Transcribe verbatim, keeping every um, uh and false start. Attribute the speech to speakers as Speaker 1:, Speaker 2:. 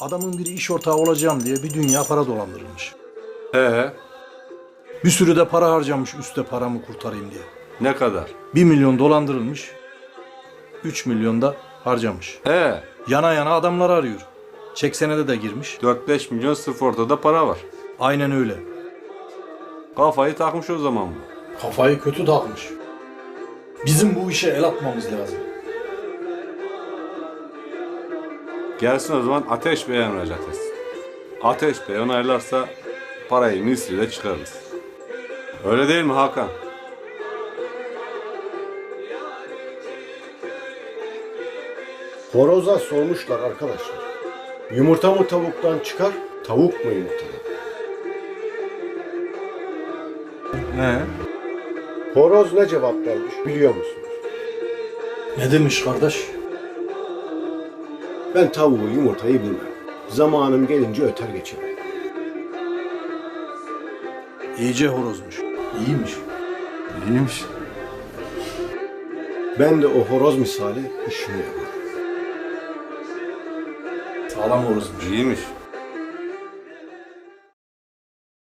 Speaker 1: Adamın biri iş ortağı olacağım diye bir dünya para dolandırılmış.
Speaker 2: He,
Speaker 1: Bir sürü de para harcamış üste paramı kurtarayım diye.
Speaker 2: ne kadar?
Speaker 1: Bir milyon dolandırılmış. Üç milyon da harcamış.
Speaker 2: He,
Speaker 1: Yana yana adamları arıyor. Çek senede de girmiş.
Speaker 2: dört beş milyon sırf ortada para var.
Speaker 1: Aynen öyle.
Speaker 2: Kafayı takmış o zaman bu.
Speaker 1: Kafayı kötü takmış. Bizim bu işe el atmamız lazım.
Speaker 2: Gelsin o zaman Ateş Bey'e müracaat etsin. Ateş Bey onaylarsa parayı misliyle çıkarırız. Öyle değil mi Hakan?
Speaker 3: Horoza sormuşlar arkadaşlar. Yumurta mı tavuktan çıkar, tavuk mu yumurtadan?
Speaker 1: He?
Speaker 3: Horoz ne cevap vermiş biliyor musunuz?
Speaker 1: Ne demiş kardeş?
Speaker 3: Ben tavuğu yumurtayı bilmem. Zamanım gelince öter geçerim.
Speaker 1: İyice horozmuş. İyiymiş.
Speaker 2: İyiymiş.
Speaker 3: Ben de o horoz misali işimi yaparım.
Speaker 1: Sağlam horozmuş.
Speaker 2: İyiymiş.